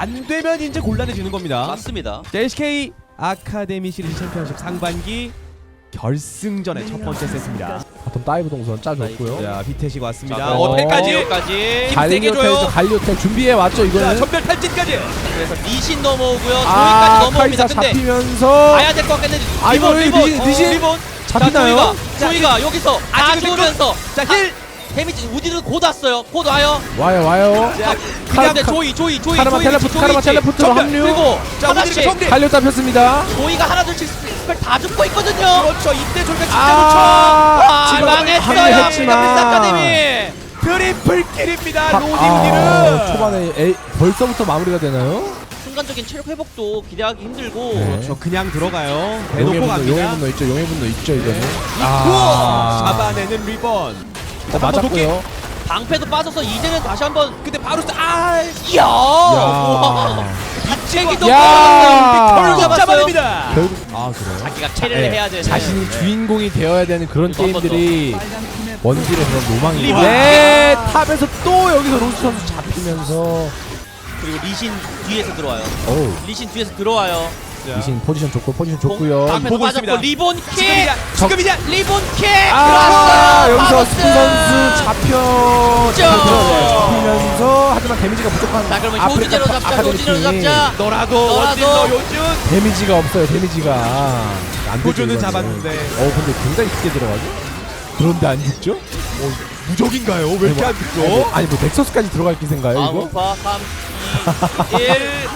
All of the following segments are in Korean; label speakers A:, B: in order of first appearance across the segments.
A: 안 되면 이제 곤란해지는 겁니다.
B: 맞습니다.
A: 자, LCK 아카데미 시리즈 챔피언십 상반기 결승전의 첫 번째 세트입니다.
C: 바텀 다이브 동선 짜줬고요.
A: 자, 비테시가 왔습니다.
B: 자,
A: 어택까지
B: 어택까지.
A: 힘 세게 줘요.
C: 갈리오텔 준비해 왔죠
A: 자,
C: 이거는.
A: 전멸 탈진까지.
B: 그래서 리신 넘어오고요.
C: 아,
B: 조이까지 넘어옵니다.
C: 카이사
B: 근데
C: 잡히면서
B: 가야 될 것 같겠는데.
C: 아, 이거 리신
B: 리본.
C: 잡히나요?
B: 조이가 여기서 다
A: 아직은
B: 주면서
A: 자, 힐.
B: 데미지 우디는 곧 왔어요. 곧 와요.
C: 와요.
A: 자,
B: 근데 조이
C: 카르마 텔레포트로
B: 전멸.
C: 합류.
B: 그리고
A: 자,
B: 하나씩
A: 우디는 정리.
C: 갈리오 잡혔습니다.
B: 조이가 하나둘씩 스펠 다 죽고 있거든요.
A: 그렇죠. 이때 졸가 진짜
C: 아,
B: 아,
C: 지금
B: 망했어요.
C: 합류했지만.
B: 아카데미.
A: 좋죠. 트리플 킬입니다. 로디
C: 아,
A: 우디는.
C: 초반에 벌써부터 마무리가 되나요?
B: 순간적인 체력 회복도 기대하기 힘들고.
C: 네.
A: 그렇죠. 그냥 들어가요.
C: 용의
A: 대놓고
C: 분노,
A: 갑니다.
C: 있죠. 용의 분노 있죠 이거는.
A: 잡아내는 리본.
C: 맞았고요.
B: 방패도 빠져서 이제는 다시 한번.
A: 근데 바로
B: 이야. 와.
C: 야.
B: 빅체기도
C: 야.
B: 결국
A: 결국
B: 잡았어요.
A: 잡아냅니다.
C: 결국 그래요.
B: 자기가 캐리를 해야 되는.
C: 자신이 주인공이 되어야 되는 그런
B: 이거 한번
C: 게임들이 원딜의 그런
B: 리본.
C: 로망인데 탑에서 또 여기서 로스 선수 잡히면서
B: 그리고 리신 뒤에서 들어와요.
C: 어우
B: 리신 뒤에서 들어와요.
C: 미신 포지션 좋고요.
B: 방패도
A: 보고
B: 빠졌고
A: 있습니다.
B: 리본 킥.
A: 지금이냐?
B: 리본 킥.
C: 아
B: 들어왔어요.
C: 여기서
B: 바로스.
C: 스푼 선수 잡히면서 하지만 데미지가 부족한
B: 자, 그러면
C: 아프리카
B: 효진으로 잡자.
C: 아카데미
B: 효진으로
C: 팀이
B: 잡자.
A: 너라도 원딜러 요즘
C: 데미지가 없어요. 데미지가 안 되죠,
A: 도주는
C: 이거는.
A: 잡았는데.
C: 근데 굉장히 크게 들어가죠. 그런데 안 죽죠?
A: 무적인가요? 왜 이렇게 안 죽죠?
C: 아니 뭐 넥서스까지 들어갈 기세인가요 이거?
B: 아우파 3 2 1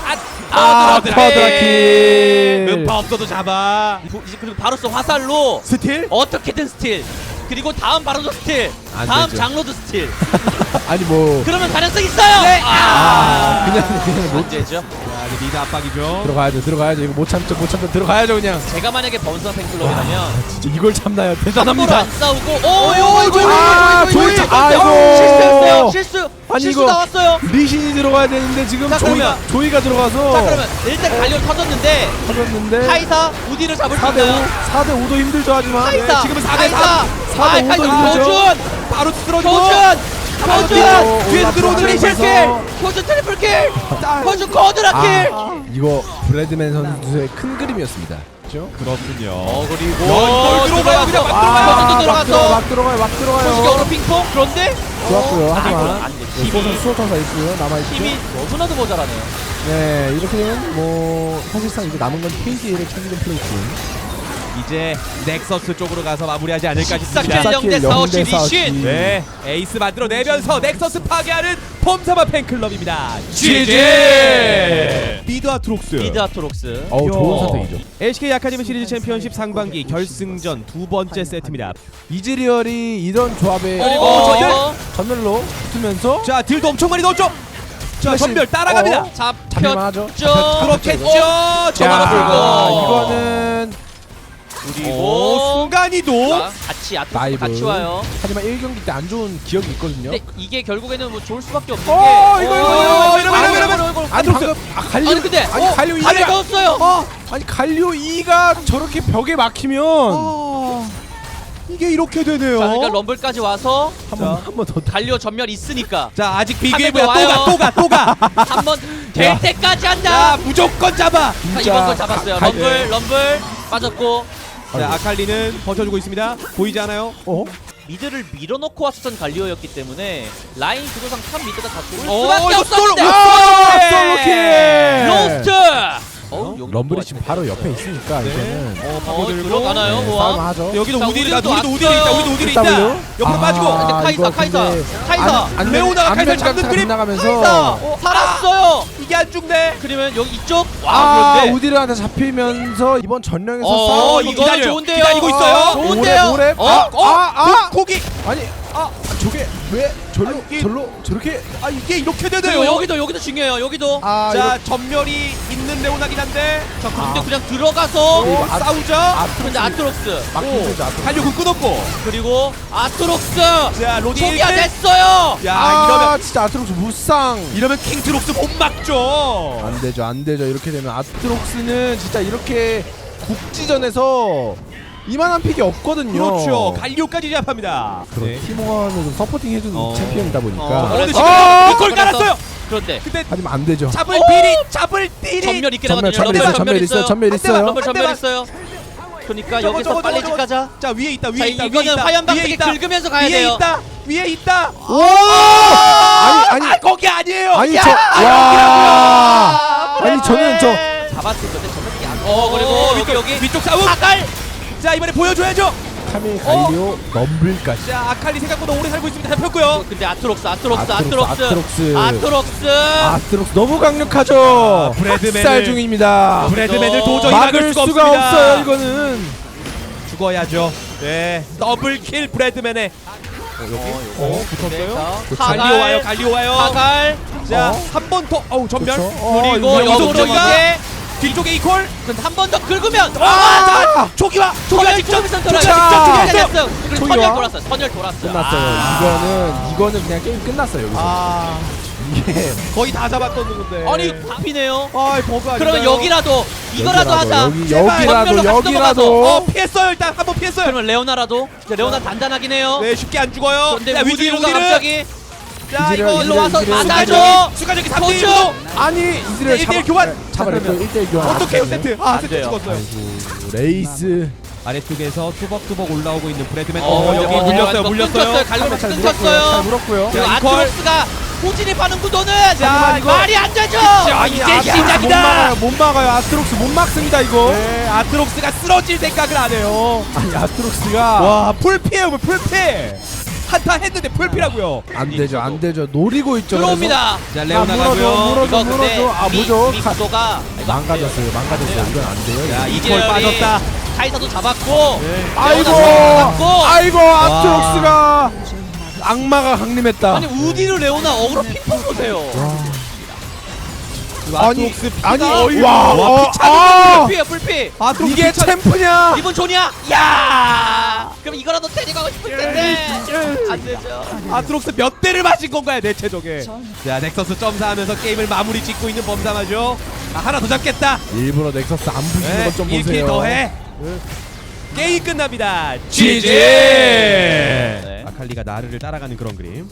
C: 쿼드라킬.
A: 음파 없어도 잡아.
B: 그리고 바로스 화살로
A: 스틸?
B: 어떻게든 스틸. 그리고 다음 바로도 스틸.
C: 안
B: 다음
C: 되죠.
B: 장로도 스틸.
C: 아니 뭐
B: 그러면 가능성 있어요.
A: 네.
C: 그냥
B: 못 되죠.
A: 자, 이제 리드 압박이죠.
C: 들어가야죠. 이거 못 참죠. 들어가야죠 그냥.
B: 제가 만약에 범선 팬클럽이라면
C: 진짜 이걸 참나요?
B: 함부로
C: 대단합니다.
B: 안 싸우고
C: 조이
B: 실수했어요. 실수.
C: 아니,
B: 실수
C: 이거
B: 나왔어요.
C: 리신이 들어가야 되는데 지금
B: 자, 그러면.
C: 조이가 들어가서
B: 자, 그러면 일단 갈려 터졌는데
C: 터졌는데
B: 카이사 우디를 잡을 수
C: 4대5
B: 있나요?
C: 4대5도 힘들죠 하지만
B: 카이사
A: 지금은 4대3.
B: 카이사
C: 4대5 도 힘들죠.
B: 교준
A: 바로 쓰러지고.
B: 교준
A: 뒤에서 들어오는
B: 트리플
A: 리신.
B: 킬 교준 트리플 킬 교준 쿼드라킬
C: 이거 브래드맨 선수의 큰 그림이었습니다. 그렇죠?
A: 그렇군요.
B: 그리고
A: 널 들어가요. 그냥 막
B: 교준도
C: 막 들어가요.
B: 소식이 핑퐁 그런데
C: 좋았고요. 하지만
B: 안 돼. 힘이
C: 수호천사 있고요. 남아있죠.
B: 힘이 너무나도 모자라네요.
C: 네 이렇게 되면 뭐 사실상 이제 남은 건 KDA를 챙기는 플레이팀.
A: 이제 넥서스 쪽으로 가서 마무리하지 않을까
B: 싹
A: 싶습니다.
B: 킬 0대 4 리신.
A: 네, 에이스 만들어내면서 넥서스 파괴하는 폼사마 팬클럽입니다.
B: GG!
A: 미드 아트록스.
B: 미드 아토록스.
C: 좋은 선택이죠.
A: LCK 아카데미 시리즈 챔피언십 상반기 결승전 두 번째 세트입니다.
C: 이즈리얼이 이런 조합에
B: 이거
C: 전멸로 붙으면서
A: 자, 딜도 엄청 많이 넣었죠. 자,
C: 플래시.
A: 전멸 따라갑니다.
C: 잡힐만 하죠.
A: 그렇겠죠.
C: 자,
A: 저거로 불고.
C: 이거는
A: 그리고 순간이도
B: 같이 아토록스
C: 다이브.
B: 같이 와요.
C: 하지만 1경기 때 안 좋은 기억이 있거든요.
B: 근데 이게 결국에는 뭐 좋을 수밖에 없는 게.
A: 이러면
C: 아니 방금 갈리오
B: 아니 근데
C: 갈리오
B: 갈리가
C: 2가
B: 없어요.
C: 아니 갈리오 2가 저렇게 벽에 막히면
A: 이게 이렇게 되네요.
B: 자, 그러니까 럼블까지 와서
C: 한번 더
B: 갈리오 전멸 있으니까
A: 자, 아직 비교해
B: 한번
A: 보야.
B: 더
A: 또 가.
B: 한번 될
C: 야.
B: 때까지
A: 자,
B: 한다.
A: 무조건 잡아.
B: 자, 이번 걸 잡았어요. 럼블 빠졌고
A: 자, 아칼리는 버텨주고 있습니다. 보이지 않아요?
B: 미드를 밀어넣고 왔었던 갈리오였기 때문에 라인 구조상 탑 미드가 다 좋을
A: 오,
B: 수밖에
A: 이거
B: 없었는데
A: 솔로킬!
B: 로스트.
C: 럼블이 지금 바로 옆에 있으니까 이거는
B: 들어가나요?
C: 싸움
B: 모아.
C: 하죠.
A: 여기도
B: 자,
A: 우디리다.
B: 우디도
A: 우리도 우디리 있다.
B: 왔어요.
A: 우리도 우디리 있다.
C: W?
A: 옆으로 빠지고.
B: 근데
C: 이거
B: 카이사.
C: 근데
A: 레오나가 카이사를 잡는 그림.
C: 나가면서
B: 살았어요.
A: 이게 안 죽네.
B: 그러면 여기 이쪽 그런데
C: 우디르한테 잡히면서 이번 전령에서
B: 이거
A: 기다려요.
B: 좋은데요.
A: 기다리고 있어요.
B: 좋은데요.
C: 오랩.
A: 고기.
C: 아니 저게 왜 절로 저렇게
A: 이게 이렇게
B: 그리고
A: 되네요.
B: 여기도 중요해요. 여기도.
A: 자, 전멸이 있는 레오나긴 한데.
B: 자, 근데 그냥 들어가서
A: 싸우자.
B: 근데 아트록스
C: 막히죠.
A: 달려고 끊었고.
B: 그리고 아트록스
A: 자, 로디.
B: 초기화 됐어요.
A: 야,
C: 진짜 아트록스 무쌍.
A: 이러면 킹트록스 못 막죠.
C: 안 되죠. 이렇게 되면 아트록스는 진짜 이렇게 국지전에서 이만한 픽이 없거든요.
A: 그렇죠. 갈리오까지 제압합니다.
C: 그런 팀원으로 서포팅 해주는
A: 어.
C: 챔피언이다 보니까.
A: 어느
B: 그래서-
A: 시간 이걸 깔았어요.
B: 그런데
A: 근데
C: 하지만 안 되죠.
A: 잡을 비리, 잡을 딜이.
B: 전멸 있긴
C: 전멸
B: 하거든요.
C: 전멸 있어요. 전멸
A: 한
C: 있어요.
A: 대만,
B: 럼블 전멸
A: 대만.
B: 있어요. 그러니까
A: 저거,
B: 여기서
A: 저거,
B: 빨리
A: 저거,
B: 집 가자.
A: 자 위에 있다, 위에
B: 자
A: 있다,
B: 이거는
A: 위에 있다,
B: 화염
A: 위에
B: 방석에
A: 있다.
B: 긁으면서 가야
A: 위에
B: 돼요.
A: 있다, 위에 있다.
C: 오! 아니
A: 거기 아니에요.
C: 아니
A: 야,
C: 저 와.
A: 여기라고요.
C: 아니 저는 저
B: 잡았을 건데 전멸이 안. 그리고 여기
A: 위쪽 싸움.
B: 사갈.
A: 자 이번에 보여줘야죠.
C: 카밀 갈리오 럼블까지.
A: 자 아칼리 생각보다 오래 살고 있습니다. 잡혔고요.
B: 근데 아트록스
C: 아트록스 너무 강력하죠.
A: 브래드맨을-
C: 학살 중입니다.
A: 브래드맨을 도저히
C: 막을 수가
A: 없습니다.
C: 없어요 이거는.
A: 죽어야죠. 네, 더블킬 브래드맨의. 붙었어요. 갈리오 와요, 갈리오 와요.
B: 사갈.
A: 자,
C: 어?
A: 한 번 더. 어우 전멸.
B: 그리고
C: 이거
B: 역으로
A: 저기가
B: 이게
A: 뒤쪽에 이퀄.
B: 한 번 더 긁으면
A: 자, 초기화. 초기화 직접.
B: 직접
C: 자,
B: 됐어요. 그리고
C: 초기화.
B: 선열 돌았어요. 선열 돌았어요.
C: 끝났어요. 이거는 그냥 게임 끝났어요 여기서.
A: 아,
C: 이게
A: 거의 다 잡았던 건데.
B: 아니 답이네요.
A: 아, 버그 아닌가요?
B: 그러면 여기라도 이거라도 하자.
C: 여기라도
A: 어, 피했어요. 일단 한 번 피했어요.
B: 그러면 레오나라도 레오나 단단하긴 해요.
A: 네, 쉽게 안 죽어요.
B: 그런데
A: 자, 위쪽에
B: 우디르가
A: 우디르.
B: 갑자기
A: 자,
C: 이즈리얼,
A: 이거
B: 일로 와서
C: 이즈리얼,
B: 맞아줘.
A: 수가적이
B: 도주.
A: 3대1로
C: 아니 이즈리얼
A: 1대1 교환.
C: 잡아냈어요. 1대1 교환.
A: 어떡해요, 세트. 아,
B: 안
A: 세트
B: 돼요.
A: 죽었어요.
C: 아이고 레이스.
A: 아래쪽에서 뚜벅뚜벅 올라오고 있는 브래드맨.
B: 여기
A: 물렸어요, 물렸어요.
B: 갈리오
C: 잘
B: 끊겼어요.
C: 물었고요.
B: 그리고
A: 자, 이퀄.
B: 아트록스가 호진입하는 구도는
A: 자, 이거-
B: 말이 안 되죠.
A: 이제
C: 못
A: 시작이다.
C: 막아요. 못 막아요. 아트록스 못 막습니다 이거.
A: 네, 아트록스가 쓰러질 생각을 안 해요.
C: 아니 아트록스가
A: 와, 풀피에요, 풀피. 한타 했는데 풀피라고요.
C: 안 되죠. 안 되죠. 노리고 있죠.
B: 들어옵니다.
A: 자,
C: 그래서.
A: 레오
C: 아,
A: 나가고요.
C: 물어줘.
B: 이거 근데
C: 물어줘. 아,
B: 미
C: 뭐죠?
B: 구도가
C: 망가졌어요. 이건 안 돼요.
A: 자,
C: 이거.
A: 이퀄 빠졌다.
B: 카이사도 잡았고
C: 아이고.
B: 잡았고.
C: 아이고 아트록스가 악마가 강림했다.
B: 아니 우디르 레오나 어그로 핑퐁 보세요.
C: 아니 아니
A: 어이구.
C: 와.
A: 와,
C: 아,
B: 불피야 불피.
A: 아트록스
C: 이게 챔프냐?
B: 이분 존이야. 야. 그럼 이거라도 데리고 가고 싶을 텐데 안 되죠.
A: 아트록스 몇 대를 맞은 건가요, 대체 저게. 자, 넥서스 점사하면서 게임을 마무리 짓고 있는 범사마죠. 아, 하나 더 잡겠다.
C: 일부러 넥서스 안 부시는
A: 네,
C: 것 좀
A: 1킬
C: 보세요.
A: 더해. 게임 끝납니다.
C: GG.
B: 네.
A: 아칼리가 나르를 따라가는 그런 그림.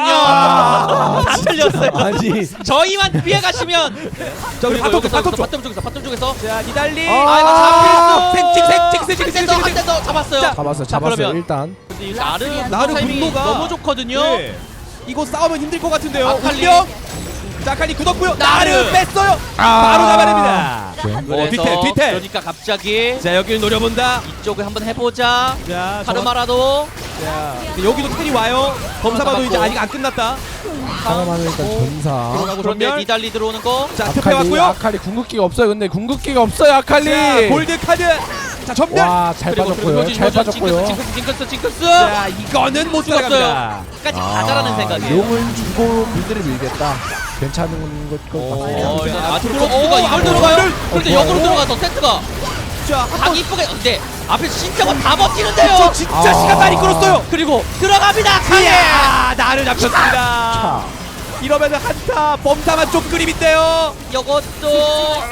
B: 다 틀렸어요.
C: 아니
B: 저희만 피해 가시면
A: 저기 바텀 쪽, 바텀 쪽.
B: 바텀 쪽에서
A: 자, 니달리.
B: 아 이거
C: 아,
B: 잡혔어. 한대더 잡았어요.
C: 잡았어요.
B: 자, 그러면
C: 일단.
B: 근데 이 나르
A: 나르
B: 타이밍이
A: 분노가
B: 너무 좋거든요.
A: 네. 이거 싸우면 힘들 것 같은데요.
B: 아칼리.
A: 운명. 자, 아칼리 굳었고요. 나르
B: 나르.
A: 뺐어요.
C: 아.
A: 바로 잡아냅니다.
B: 그래서
A: 뒤태.
B: 그러니까 갑자기
A: 자, 여기를 노려본다.
B: 이쪽을 한번 해보자.
A: 자,
B: 카르마라도
A: 자, 여기도 텔이 와요. 범사마도 이제
B: 잡았고.
A: 아직 안 끝났다.
C: 사람하는 일단 전사.
A: 들어가고
B: 그런데
A: 전멸.
B: 니달리 들어오는 거.
A: 자, 투표 왔고요.
C: 아칼리 궁극기가 없어요. 근데 궁극기가 없어요. 아칼리.
A: 자, 골드 카드. 자, 전멸.
C: 와, 잘 빠졌고요. 잘 빠졌고요.
B: 징크스.
A: 자, 이거는 못
B: 죽었어요.
A: 들어갑니다.
B: 끝까지 가자라는 생각이에요.
C: 용을 주고 빌드를 밀겠다. 괜찮은 것 같아요.
B: 일단 아트록스가 이걸 들어가요. 그런데 역으로 들어가서 세트가
A: 자,
B: 각 이쁘게. 근데 앞에서 진짜가 다 버티는데요.
A: 저 진짜 시간 많이 끌었어요.
B: 그리고 들어갑니다. 카예.
A: 이야, 나를 잡혔습니다.
C: 자,
A: 이러면은 한타 범사만 쪽 그림인데요.
B: 이것도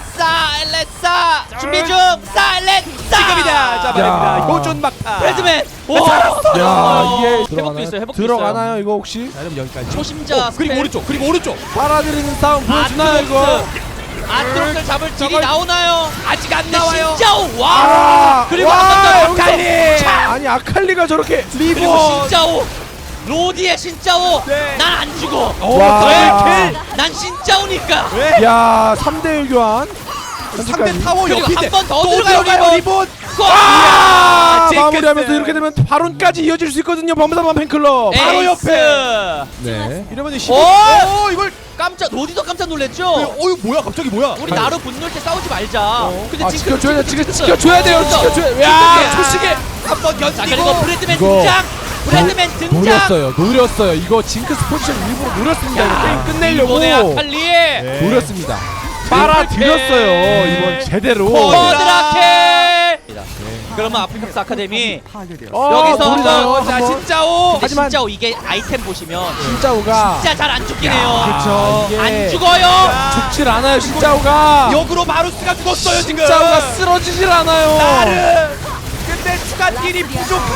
B: 사일렛사 준비 중. 사일렛사
A: 지금이다. 잡아냅니다.
C: 야.
A: 효준 막타.
B: 브래드맨. 오.
C: 야, 이게
B: 회복도
C: 들어가나요?
B: 있어요. 회복도
C: 들어가나요? 이거 혹시?
A: 자, 그럼 여기까지.
B: 초심자
A: 그리고
B: 스펠.
A: 오른쪽. 그리고 오른쪽.
C: 빨아들이는 싸움 보여주나요 이거?
B: 아트록스를 잡을 딜이
A: 저걸-
B: 나오나요?
A: 아직 안
B: 근데
A: 나와요.
B: 진짜오 와.
C: 아,
B: 그리고
C: 와,
B: 한번 더
C: 여기서-
B: 아칼리.
C: 아니 아칼리가 저렇게
B: 그리고
A: 리본.
B: 신짜오. 로디의 신짜오.
A: 네.
B: 난 안 죽어.
C: 와.
A: 더블킬.
B: 난 신짜오니까.
A: 네.
C: 야 3대1 교환.
A: 3대 타워
B: 그리고
A: 옆인데
B: 한번더
A: 또
B: 들어가요,
A: 들어가요,
B: 리본.
A: 리본.
C: 아,
A: 징크스.
C: 마무리하면서 이렇게 되면 바론까지 이어질 수 있거든요. 범사만 팬클럽.
A: 바로
B: 에이스.
C: 네.
A: 이러면
B: 오!
A: 이걸
B: 깜짝 로디도 깜짝 놀랐죠.
A: 이거 뭐야? 갑자기 뭐야?
B: 우리 나루 분노할 때 싸우지 말자. 근데
C: 아,
B: 지금
C: 지켜줘야 돼. 지켜줘야 돼요. 지켜줘야. 야, 초식에
A: 한번
B: 자 그리고
A: 견디고.
B: 브래드맨
C: 이거
B: 등장. 브래드맨 등장.
C: 노렸어요. 이거 징크스 포지션 일부러 노렸습니다. 이거 게임 끝내려고
B: 이번에 아칼리.
A: 네.
C: 노렸습니다. 빨아들였어요. 이번 제대로.
B: 버드라켈. 그러면 아프리카스 아카데미 여기서
C: 노리나요?
A: 자,
C: 한번?
A: 진짜오.
B: 근데
C: 하지만-
B: 진짜 이게 아이템 보시면
C: 신짜오가
B: 진짜 잘 안 죽긴 해요.
A: 그렇죠.
C: 이게
B: 안 죽어요.
C: 죽질 않아요. 신짜오가.
A: 역으로 마루스가 죽었어요, 지금.
C: 신짜오가 쓰러지질 않아요.
A: 나르. 근데 추가 딜이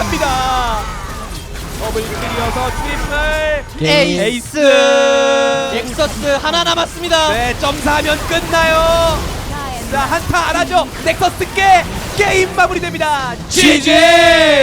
A: 부족합니다. 더블 클리어서 트리플
B: 에이스. 넥서스 하나 남았습니다.
A: 네, 점사하면 끝나요. 자, 한타 안 하죠. 넥서스 깨 게임 마무리됩니다. GG.